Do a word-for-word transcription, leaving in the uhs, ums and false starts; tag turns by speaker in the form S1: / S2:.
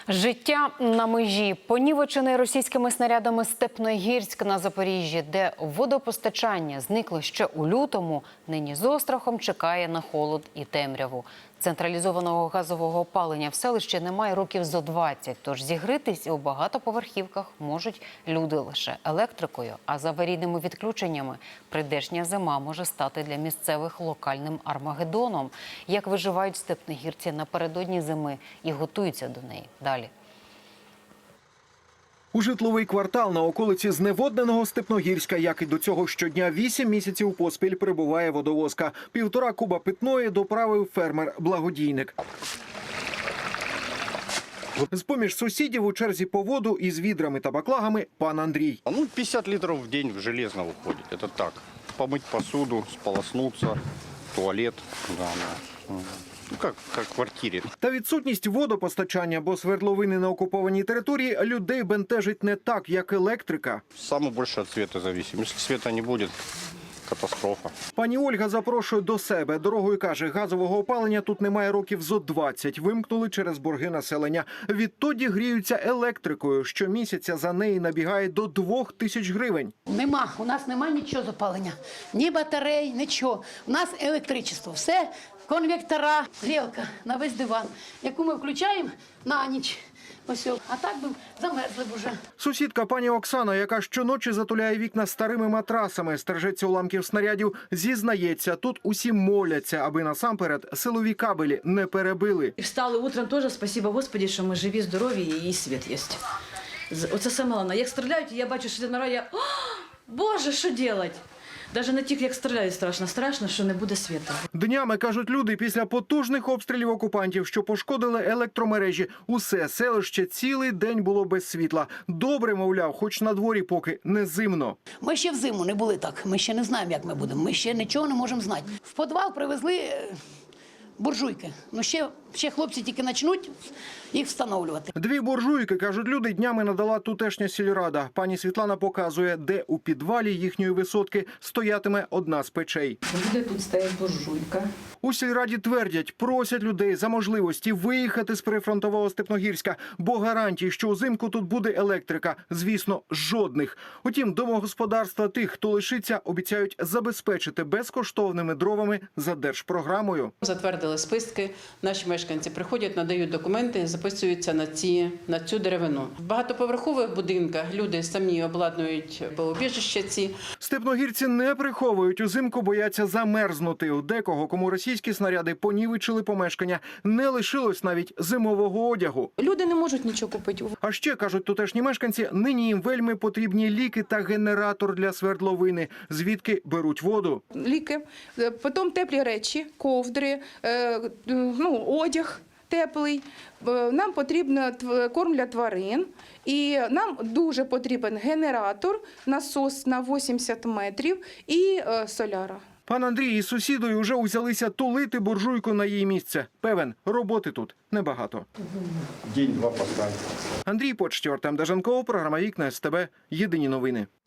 S1: Життя на межі. Понівечений російськими снарядами Степногірськ на Запоріжжі, де водопостачання зникло ще у лютому, нині з острахом чекає на холод і темряву. Централізованого газового опалення в селищі немає років зо двадцять, тож зігрітись у багатоповерхівках можуть люди лише електрикою. А з аварійними відключеннями прийдешня зима може стати для місцевих локальним армагеддоном. Як виживають степногірці напередодні зими і готуються до неї. Далі.
S2: У житловий квартал на околиці зневодненого Степногірська, як і до цього щодня, вісім місяців поспіль прибуває водовозка. Півтора куба питної доправив фермер-благодійник. З-поміж сусідів у черзі по воду із відрами та баклагами пан Андрій.
S3: Ну, пятьдесят литров в день железно уходит. Это так. Помыть посуду, сполоснуться, туалет. Да, да. Ну, как, как в квартирі.
S2: Та відсутність водопостачання, бо свердловини на окупованій території, людей бентежить не так, як електрика.
S3: Саме більше від світу залежить. Якщо світу не буде, катастрофа.
S2: Пані Ольга запрошує до себе. Дорогою каже, газового опалення тут немає років зо двадцять. Вимкнули через борги населення. Відтоді гріються електрикою. Щомісяця за неї набігає до двох тисяч гривень.
S4: Нема, у нас нема нічого з опалення. Ні батарей, нічого. У нас електричество. Все, конвектора, грілка на весь диван, яку ми включаємо на ніч. Ось, а так би замерзли б уже.
S2: Сусідка пані Оксана, яка щоночі затуляє вікна старими матрасами, стережеться уламків снарядів, зізнається, тут усі моляться, аби насамперед силові кабелі не перебили.
S5: І встали утром теж, спасибо Господі, що ми живі, здорові і світ є. Оце саме головне. Як стріляють, я бачу, що на раді, о, Боже, що робити? Навіть не тільки як стріляють страшно, страшно, що не буде світу.
S2: Днями, кажуть люди, після потужних обстрілів окупантів, що пошкодили електромережі, усе селище цілий день було без світла. Добре, мовляв, хоч на дворі поки не зимно.
S4: Ми ще взиму не були так, ми ще не знаємо, як ми будемо, ми ще нічого не можемо знати. В підвал привезли буржуйки, ну ще, ще хлопці тільки почнуть їх встановлювати.
S2: Дві буржуйки, кажуть люди, днями надала тутешня сільрада. Пані Світлана показує, де у підвалі їхньої висотки стоятиме одна з печей.
S5: Буде тут стоять буржуйка.
S2: У сільраді твердять, просять людей за можливості виїхати з прифронтового Степногірська, бо гарантій, що узимку тут буде електрика, звісно, жодних. Утім, домогосподарства тих, хто лишиться, обіцяють забезпечити безкоштовними дровами за держпрограмою.
S6: Затвердили списки, наші мешканці приходять, надають документи, записуються на, ці, на цю деревину. В багатоповерхових будинках люди самі обладнують убіжища ці.
S2: Степногірці не приховують, узимку бояться замерзнути. У декого, кому російські снаряди понівечили помешкання, не лишилось навіть зимового одягу.
S7: Люди не можуть нічого купити.
S2: А ще, кажуть тутешні мешканці, нині їм вельми потрібні ліки та генератор для свердловини, звідки беруть воду.
S7: Ліки, потім теплі речі, ковдри, ну, одяг теплий. Нам потрібно корм для тварин і нам дуже потрібен генератор, насос на вісімдесят метрів і соляра.
S2: Пан Андрій із сусідою вже узялися тулити буржуйку на її місце. Певен, роботи тут небагато.
S3: День-два поставити.
S2: Андрій Почтєр, Артем Деженков, програма «Вікна СТБ». Єдині новини.